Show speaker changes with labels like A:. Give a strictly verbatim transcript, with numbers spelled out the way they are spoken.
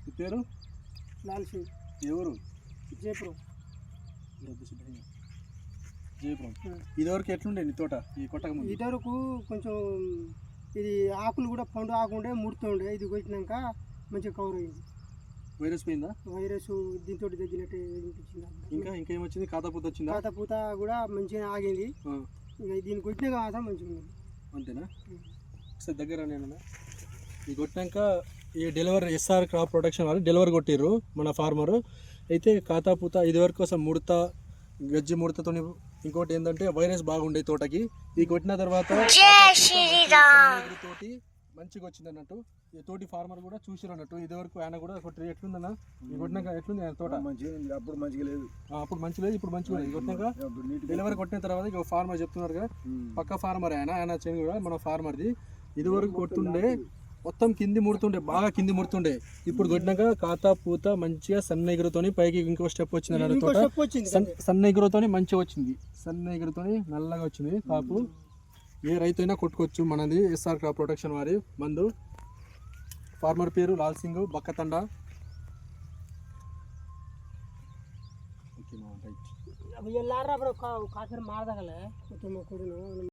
A: ఈ పేరు
B: లాల్ సింగ్.
A: ఎవరు?
B: జయపురం.
A: జయపురం. ఇదివరకు ఎట్లుండే నీ తోట ఈ కొట్టక ముందు?
B: ఇదివరకు కొంచెం ఇది ఆకులు కూడా పండు ఆకుండే ముడుతుండే. ఇది కొట్టినాక మంచిగా కవర్ అయింది.
A: వైరస్ పోయిందా?
B: వైరస్ దీంతో తగ్గినట్టు అనిపించింది.
A: ఇంకా ఇంకేమొచ్చింది? కాతపూత వచ్చిందా?
B: కాతపూత కూడా మంచిగా ఆగింది. ఇంకా దీన్ని కొట్టినాక మాత్రం మంచిగా ఉంది.
A: అంతేనా? ఒకసారి దగ్గర నేను ఇది కొట్టినాక ఈ డెలివరీ ఎస్ఆర్ క్రాప్ ప్రొటెక్షన్ వాళ్ళు డెలివరీ కొట్టిర్రు మన ఫార్మరు. అయితే కాతాపూత ఇది వరకు కోసం ముడత గజ్జి ముడతతో, ఇంకోటి ఏంటంటే వైరస్ బాగుండే తోటకి. ఇది కొట్టిన తర్వాత తోటి మంచిగా వచ్చింది అన్నట్టు. ఈ తోటి ఫార్మర్ కూడా చూసిరు అన్నట్టు. ఇది వరకు ఆయన కూడా కొట్టి ఎట్లుందన్న ఇది కొట్టినాక ఎట్లుంది ఆయన తోట?
C: అప్పుడు మంచిగా లేదు,
A: అప్పుడు మంచి లేదు, ఇప్పుడు మంచిగా లేదు. కొట్టినాక డెలివరీ కొట్టిన తర్వాత ఇక ఫార్మర్ చెప్తున్నారు కదా, పక్క ఫార్మర్ ఆయన ఆయన చెంది కూడా మన ఫార్మర్ది. ఇది వరకు కొట్టుండే మొత్తం కింది ముడుతుండే, బాగా కింది ముడుతుండే. ఇప్పుడు కొట్టినాక కాతా పూత మంచిగా సన్న ఎగురుతోని పైకి ఇంకో స్టెప్ వచ్చింది అన్నట్టు. తోట సన్న ఎగురుతోని మంచిగా వచ్చింది, సన్న ఎగురుతోని నల్లగా వచ్చింది కాపు. ఏ రైతు అయినా కొట్టుకోవచ్చు మనది ఎస్ఆర్ క్రాప్ ప్రొటెక్షన్ వారి మందు. ఫార్మర్ పేరు లాల్ సింగ్ బక్కతండ. Okay right.